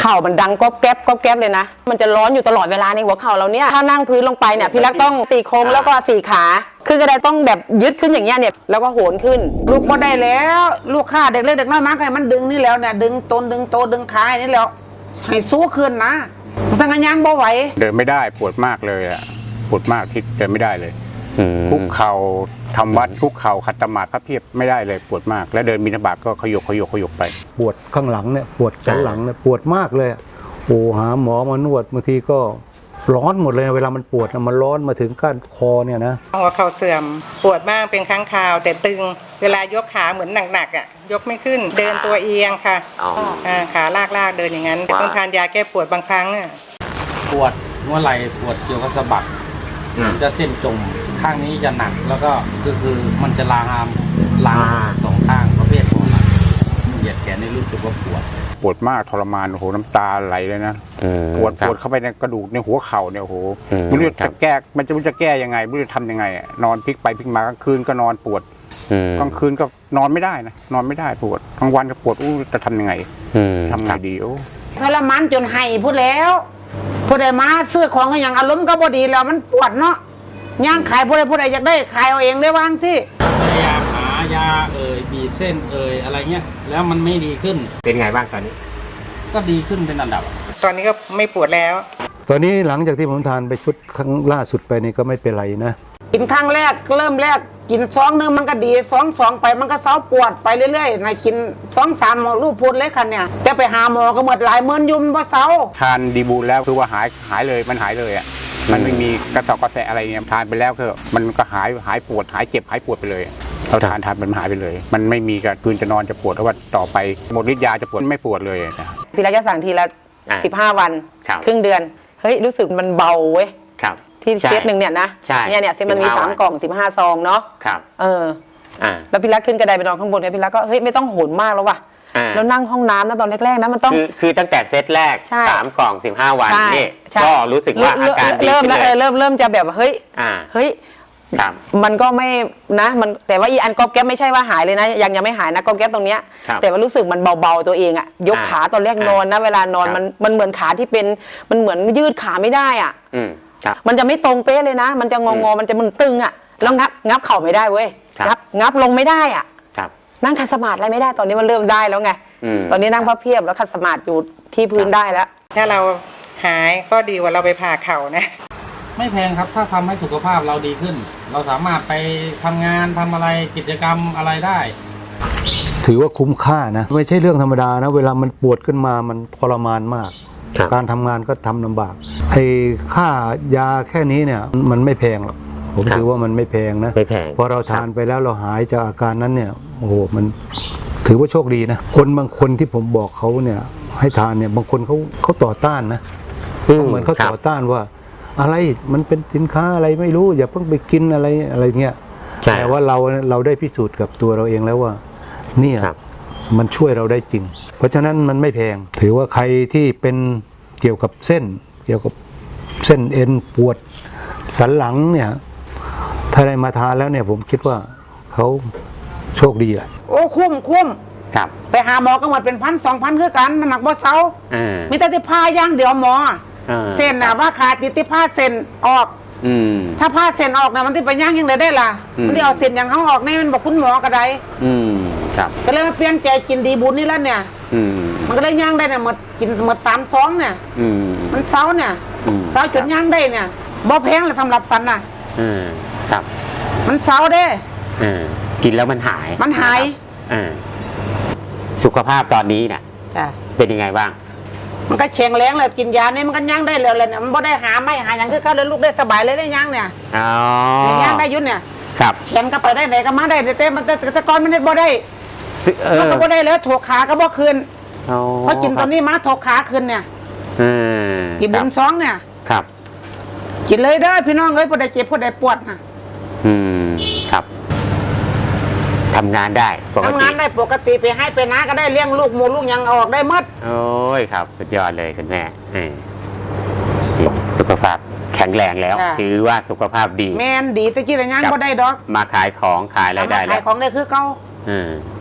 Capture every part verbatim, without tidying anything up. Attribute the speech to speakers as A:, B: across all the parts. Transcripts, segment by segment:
A: ข่ามันดังก๊อบแก๊บก๊อบแก๊บเลยนะมันจะร้อนอยู่ตลอดเวลาในหัวเข่าเราเนี่ยถ้านั่งพื้นลงไปเนี่ยพี่รักต้องตีโค้งแล้วก็สี่ขาขึ้นกระไดต้องแบบยึดขึ้นอย่างเงี้ยเนี่ยแล้วก็โหนขึ้นลูกก็ได้แล้วลูกข้าเด็กเล็กเด็กน้อยมากเลยมันดึงนี่แล้วเนี่ยดึงตนดึงโตดึงขาอย่างนี้แล้วให้สู้ขึ้นนะมันทางย่างบ่ไหว
B: เดินไม่ได้ปวดมากเลยอ่ะปวดมากที่เดินไม่ได้เลยคุกเข่าทำวัดคุกเข่าขัดสมาธิพระเพียบไม่ได้เลยปวดมากแล้วเดินบิณฑบาตก็ขยกขยกขยกไป
C: ปวดข้างหลังเนี่ยปวดสันหลังเนี่ยปวดมากเลยโอ้หาหมอมานวดบางทีก็ร้อนหมดเลยเวลามันปวดมันร้อนมาถึงก้านคอเนี่ยนะ
D: หัวเข่าเสื่อมปวดมากเป็นครั้งคราวแต่ตึงเวลายกขาเหมือนหนักๆอ่ะยกไม่ขึ้นเดินตัวเอียงค่ะขาลากๆเดินอย่างนั้นต้องทานยาแก้ปวดบางครั้งอ่ะ
E: ปวดหัวไหล่ปวดเกี่ยวกับสะบักจะเส้นจมข้างนี้จะหนักแล้วก็คือคือมันจะลามลามสองข้างประเภทของเหยียดแขนนี่รู้สึกว่าปวด
B: ปวดมากทรมานโอ้โหน้ำตาไหลเลยนะปวดปวดเข้าไปในกระดูกในหัวเข่าเนี่ยโอ้โหไม่รู้จะแก้มันจะรู้จะแก้ยังไงไม่รู้จะทำยังไงนอนพลิกไปพลิกมากลางคืนก็นอนปวดกลางคืนก็นอนไม่ได้นะนอนไม่ได้ปวดกลางวันก็ปวดอู้จะทำยังไงทำไงดีโอ้
A: ทรมานจนให้พูดแล้วพูดได้มาซื้อของก็อย่างอารมณ์ก็บ่ดีแล้วมันปวดเนาะย่างขายพูดได้พูดได้อยากได้ขายเอาเองได้วางสิ
E: พยายามหายาเอ่ยบีบเส้นเอ่ยอะไรเงี้ยแล้วมันไม่ดีขึ้น
F: เป็นไงบ้างตอนนี้
E: ก็ดีขึ้นเป็นอันดับ
D: ตอนนี้ก็ไม่ปวดแล้ว
C: ตอนนี้หลังจากที่ผมทานไปชุดครั้งล่าสุดไปนี่ก็ไม่เป็นไรนะ
A: กินครั้งแรกเริ่มแรกกินซองนึงมันก็ดีซองสองไปมันก็เศร้าปวดไปเรื่อยๆในกินซองสามลูกพูดเลยคันเนี่ยจะไปหาหมอก็หมดหลายหมื่นยุ่มว่าเศร้า
B: ทานดีบูลแล้วคือว่าหายหายเลยมันหายเลยอ่ะมันไม่มีกระสอบกระแสอะไรเงี้ยทานไปแล้วคือมันก็หายหายปวดหายเจ็บหายปวดไปเลยเราทานทานมันหายไปเลยมันไม่มีการคืนจะนอนจะปวดเพราะว่าต่อไปหมดฤทธิ์ยาจะปวดไม่ปวดเลย
A: พี่รักจะสั่งทีละสิบห้าวันครึ่งเดือนเฮ้ยรู้สึกมันเบาเว้ยที่เซตหนึ่งเนี่ยนะเนี่ยเนี่ยเซตมันมีสามกล่องสิบห้าซองเนาะเออแล้วพี่รักขึ้นกระไดไปนอนข้างบนเนี่ยพี่รักก็เฮ้ยไม่ต้องโหนมากแล้วว่ะแล้วนั่งห้องน้ำนะตอนแรกๆนะมันต้อง
F: คือคือตั้งแต่เซตแรกสามกล่องสิบห้าวันนี่ก็รู้สึกว่าอาการดี
A: เริ่มแล้วเริ่มเริ่มจะแบบเฮ้ยเฮ้ยมันก็ไม่นะมันแต่ว่าอีอันกอบแก๊บไม่ใช่ว่าหายเลยนะยังยังไม่หายนะกอบแก๊บตรงเนี้ยแต่ว่ารู้สึกมันเบาๆตัวเองอะยกขาตอนแรกนอนนะเวลานอนมันมันเหมือนขาที่เป็นมันเหมือนยืดขาไม่ได้อ่ะมันจะไม่ตรงเป๊ะเลยนะมันจะงงๆมันจะมันตึงอ่ะแล้วงับงับเข่าไม่ได้เว้ยงับงับลงไม่ได้อ่ะนั่งขัดสมาธิอะไรไม่ได้ตอนนี้มันเริ่มได้แล้วไงตอนนี้นั่งพับเพียบแล้วขัดสมาธิอยู่ที่พื้นได้แล้ว
D: ถ้าเราหายก็ดีกว่าเราไปผ่าเข่านะ
E: ไม่แพงครับถ้าทำให้สุขภาพเราดีขึ้นเราสามารถไปทำงานทำอะไรกิจกรรมอะไรได้
C: ถือว่าคุ้มค่านะไม่ใช่เรื่องธรรมดานะเวลามันปวดขึ้นมามันทรมานมากการทำงานก็ทำลำบากไอ้ค่ายาแค่นี้เนี่ยมันไม่แพงหรอกผมถือว่ามันไม่แพงนะพอเราทานไปแล้วเราหายจากอาการนั้นเนี่ยโอ้โหมันถือว่าโชคดีนะคนบางคนที่ผมบอกเขาเนี่ยให้ทานเนี่ยบางคนเขาเขาต่อต้านนะเหมือนเขาต่อต้านว่าอะไรมันเป็นสินค้าอะไรไม่รู้อย่าเพิ่งไปกินอะไรอะไรเงี้ยแต่ว่าเราเราได้พิสูจน์กับตัวเราเองแล้วว่าเนี่ยมันช่วยเราได้จริงเพราะฉะนั้นมันไม่แพงถือว่าใครที่เป็นเกี่ยวกับเส้นเกี่ยวกับเส้นเอ็นปวดสันหลังเนี่ยถ้าได้มาทานแล้วเนี่ยผมคิดว่าเขาโชคดีแหละ
A: โอ้คุ้มคุ้มไปหาหมอก็หมดเป็นพันสองพันคือกันมันหนักบ่เซามีแต่ที่พาย่างเดี๋ยวหมอเส้นน่ะว่าขาดติดที่ผ้าเส้นออกถ้าผ้าเส้นออกนะมันที่ไปย่างยังไงได้ล่ะมันที่เอาเส้นอย่างเขาออกนี่มันบอกคุณหมอกระไดก็เลยมาเปลี่ยนใจกินดีบุญนี่แล้วเนี่ยมันก็ได้ย่างได้เนี่ยหมดกินหมดสามซองเนี่ยมันเซาเนี่ยเซาจนย่างได้เนี่ยบ่แพงเลยสำหรับสันน่ะมันเซาได้
F: กินแล้วมันหาย
A: มันหาย
F: สุขภาพตอนนี้เนี่ยเป็นยังไงบ้าง
A: มันก็แข็งแรงเลยกินยาเนี่ยมันก็ย่างได้เลยเลยเนี่ยมันบ่ได้หาไม่หาอย่างคือเขาเลยลูกได้สบายเลยได้ย่างเนี่ย
F: อ๋อย่าง
A: ได้ยุ่นเนี่ย
F: ครับ
A: แขนก็ไปได้ไหนก็มาได้แต่มันแต่ก่อนมันได้บ่ได้มันก็บ่ได้แล้วถกขาก็บ่คืนเพราะกินตอนนี้มาถกขาคืนเนี่ยกินบุญซองเนี่ย
F: ครับ
A: กินเลยเด้อพี่น้องเอ้ยพอได้เจ็บพอได้ปวดนะ
F: อืมครับทำงานได้
A: ทำงานได้ปกติไปให้ไปน้าก็ได้เลี้ยงลูกหมูลูกยังออกได้หมด
F: โอ้ยครับสุดยอดเลยคุณแม่สุขภาพแข็งแรงแล้วถือว่าสุขภาพดี
A: แม่นดีตะกี้แต่ยังก็ได้ดอก
F: มาขายของขายอะไรได้แล้ว
A: ขายของได้คือเก่า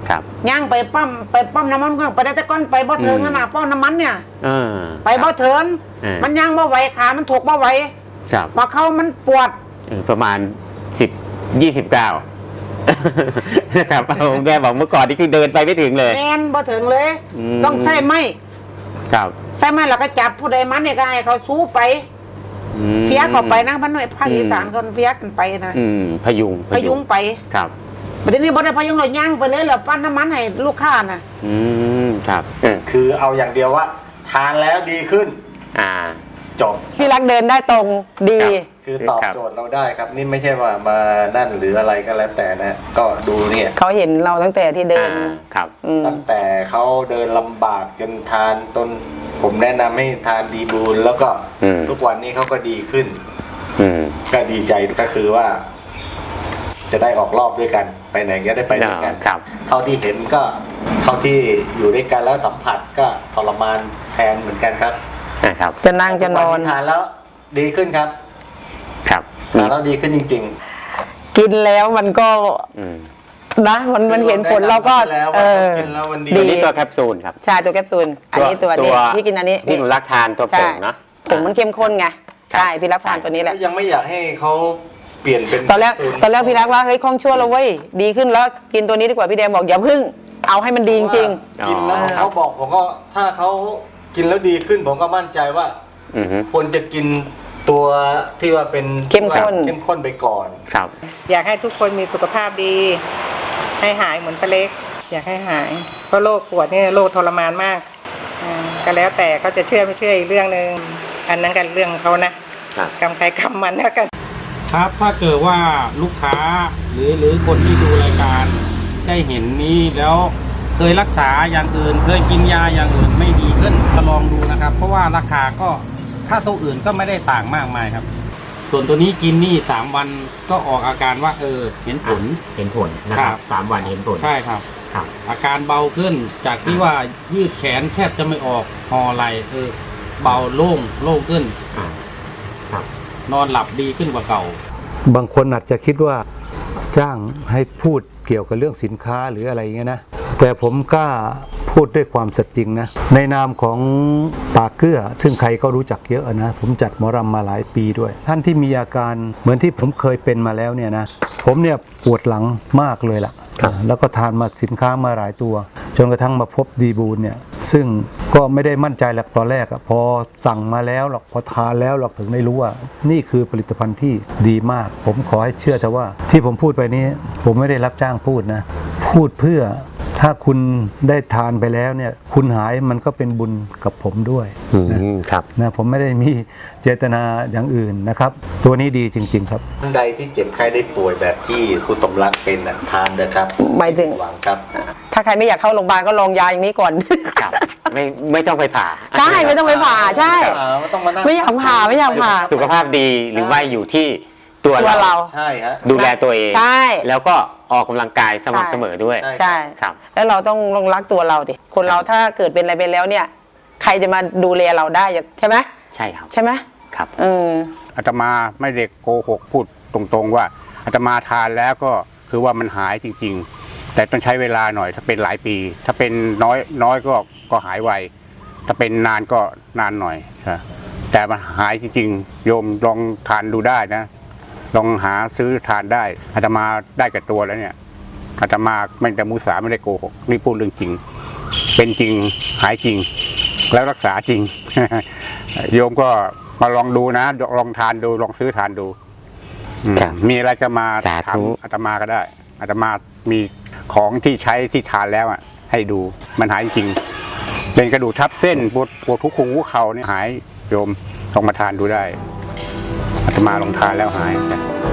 F: ครับ
A: ย่างไปปั๊มไปปั๊มน้ำมันก็ไปได้แต่ก้อนไปบ่ถึงขนาดปั๊มน้ำมันเนี่ย
F: เออ
A: ไปบ่ถึง
F: เออ
A: มันย่างบ่ไหวขามันถูกบ่ไหว
F: ครับ
A: มาเข้ามันปวด
F: เออประมาณสิบยี่สิบเก้านะครับเอาแม่บอกเมื่อก่อนนี่คือเดินไปไม่ถึงเลย
A: แมนบ่ถึงเลย
F: อืม
A: ต้องใส่ไม้
F: ครับ
A: ใส่ไม้แล้วก็จับผู้ใดมันเนี่ยก็ให้เขาสู้ไป
F: อืม
A: เฟียเข้าไปนะพันหน่วยภาค
F: อืม
A: อีสานคนเฟียกันไปนะ
F: อืมพยุง
A: พยุงไป
F: ครับ
A: ประเด็นนี้บ่ได้พยุงเราย่างไปเลยแล้วปั้นน้ำมันให้ลูกค้าน่ะ
F: อืมครับเออ
G: คือเอาอย่างเดียวว่า ทานแล้วดีขึ้น
F: อ่า
G: จบ
A: พี่รักเดินได้ตรงดี
F: ครับ
G: คือตอบโจทย์เราได้ครับ นี่ไม่ใช่ว่ามานั่นหรืออะไรก็แล้วแต่นะ ก็ดูเนี่ย
A: เขาเห็นเราตั้งแต่ที่เดิน
F: อ่าครับ
A: อืม
G: ตั้งแต่เขาเดินลำบากจนทานต้นผมแนะนำให้ทานดีบูลแล้วก็
F: อืม
G: ทุกวันนี้เขาก็ดีขึ้น
F: อืม
G: ก็ดีใจก็คือว่า จะได้ออกรอบด้วยกัน ไปไหนก็ได้ไปด้วยกัน
F: ครับ
G: เท่าที่เห็นก็เท่าที่อยู่ด้วยกันแล้วสัมผัสก็ทรมานแทนเหมือนกันครับ
F: นะครับ
A: จะนั่งจะนอน
G: ทานแล้วดีขึ้นครับ
F: ครับ
G: ทานแล้วดีขึ้นจริง
A: กินแล้วมันก็
F: อืม
A: นะมัน
G: ๆ
A: มันเห็นผลเราก็
G: แล้ว
A: เออ
G: กินแล้วมันดี
F: ตัวนี้ตัวแคปซูลครับ
A: ใช่ตัวแคปซูลอันนี้ตัวนี้พี่กินอันนี้
F: พี่หนูรักทานตัวผ
A: ใช่
F: งเนาะ
A: ผงมันเข้มข้นไง
F: ครับ
A: ใช่พี่รักทานตัวนี้แหละ
G: ยังไม่อยากให้เขาเปลี่ยนเป็น
A: ตอนแรก
G: สู
A: ตอนแรกพี่รักว่าเฮ้ยคล่องชั่วแล้วเว้ยดีขึ้นแล้วกินตัวนี้ดีกว่าพี่แดงบอกอย่าพึ่งเอาให้มันดีจริง
G: กินแล้ว
F: อ๋อ
G: เขาบอกผมก็ถ้าเขากินแล้วดีขึ้นผมก็มั่นใจว่า
F: อือฮึ
G: ควรจะกินตัวที่ว่าเป็น
A: เข้มข้น
G: เข้มข้นไปก่อน
F: ครับ
D: อยากให้ทุกคนมีสุขภาพดี ให้หายเหมือนป้าเล็ก อยากให้หาย เพราะโรคปวดนี่โรคทรมานมากอ่าก็แล้วแต่เขาจะเชื่อไม่เชื่ออีกเรื่องหนึ่งอันนั้นกันเรื่องของเขานะครับ กรรมใครกรรมมันแล้วกัน
E: ครับถ้าเกิดว่าลูกค้าหรือหรือคนที่ดูรายการได้เห็นนี้แล้วเคยรักษาอย่างอื่น เคยกินยาอย่างอื่นไม่ดีขึ้นก็ลองดูนะครับ เพราะว่าราคาก็ถ้าตัวอื่นก็ไม่ได้ต่างมากมายครับ ส่วนตัวนี้กินนี่สามวันก็ออกอาการว่าเออเห็นผล
H: เห็นผลนะครับ
E: ครับ
H: สามวันเห็นผล
E: ใช่ครับ
H: ครับ
E: อาการเบาขึ้นจากที่ว่ายืดแขนแทบจะไม่ออกหอไหลเออเบาโล่งโล่งขึ้น
H: อ่าครับ
E: นอนหลับดีขึ้นกว่าเก่า
C: บางคนอาจจะคิดว่าจ้างให้พูดเกี่ยวกับเรื่องสินค้าหรืออะไรอย่างเงี้ยนะแต่ผมกล้าพูดด้วยความสัตย์จริงนะในนามของปากเกื้อซึ่งใครก็รู้จักเยอะนะผมจัดหมอรำมาหลายปีด้วย ท่านที่มีอาการเหมือนที่ผมเคยเป็นมาแล้วเนี่ยนะผมเนี่ยปวดหลังมากเลยล่ะแล้วก็ทานมาสินค้ามาหลายตัวจนกระทั่งมาพบดีบูลเนี่ยซึ่งก็ไม่ได้มั่นใจหลักตอนแรกอะพอสั่งมาแล้วหรอกพอทานแล้วหรอกถึงได้รู้ว่านี่คือผลิตภัณฑ์ที่ดีมาก ผมขอให้เชื่อเถอะว่าที่ผมพูดไปนี้ผมไม่ได้รับจ้างพูดนะพูดเพื่อถ้าคุณได้ทานไปแล้วเนี่ยคุณหายมันก็เป็นบุญกับผมด้วย
F: อื
C: นะ
F: มครับ
C: นะผมไม่ได้มีเจตนาอย่างอื่นนะครับตัวนี้ดีจริงๆครับ
G: ท่านใดที่เจ็บไข้ได้ป่วยแบบที่คุณสมรักเป็นน่ะทานเถอะครับ
A: หมายถึง
G: หวังครับ
A: ถ้าใครไม่อยากเข้าโรงพยาบาลก็ลองยาอย่างนี้ก่อน
F: ครับ ไม่ไม่ต้องไปผ่า
A: ใช่ไม่ต้องไปผ่าใช่
G: ไม่ต้องมานั่ง
A: ไม่อยากผ่าไม่อยากผ่า
F: สุขภาพดีหรือว่าอยู่ที่ตัว
A: ตัว
F: เรา
A: เรา
G: ใช่ฮะ
F: ดูแลตัวเอง
A: ใช่
F: แล้วก็ออกกำลังกายสม่ำเสมอด้วย
G: ใช่
A: ใช่
F: ครับ
A: แล้วเราต้องลงรักตัวเราดิคนเราถ้าเกิดเป็นอะไรไปแล้วเนี่ย ใครจะมาดูแลเราได้ใช่ไหม
F: ใช่ครับ
A: ใช่ไหม
F: ครับ
A: เออ
B: อาตมาไม่ได้โกหกพูดตรงๆว่าอาตมาทานแล้วก็คือว่ามันหายจริงๆ แต่ต้องใช้เวลาหน่อยถ้าเป็นหลายปี ถ้าเป็นน้อยน้อยก็ก็หายไวถ้าเป็นนานก็นานหน่อยนะแต่มันหายจริงๆโยมลองทานดูได้นะลองหาซื้อทานได้อาตมาได้กับตัวแล้วเนี่ยอาตมาไม่ได้มุสาไม่ได้โกหกนี่พูดเรื่องจริง เป็นจริงหายจริง แล้วรักษาจริง โยมก็มาลองดูนะลองทานดูลองซื้อทานดูอืม
F: ครับ
B: มีอะไรก็มา
F: สาธุ
B: ถามอาตมาก็ได้อาตมามีของที่ใช้ที่ทานแล้วอ่ะให้ดูมันหายจริงเป็นกระดูกทับเส้นปวดปวดทุกขุมหัวเข่าเนี่ยหายโยมลองมาทานดูได้อาตมาลองทานแล้วหาย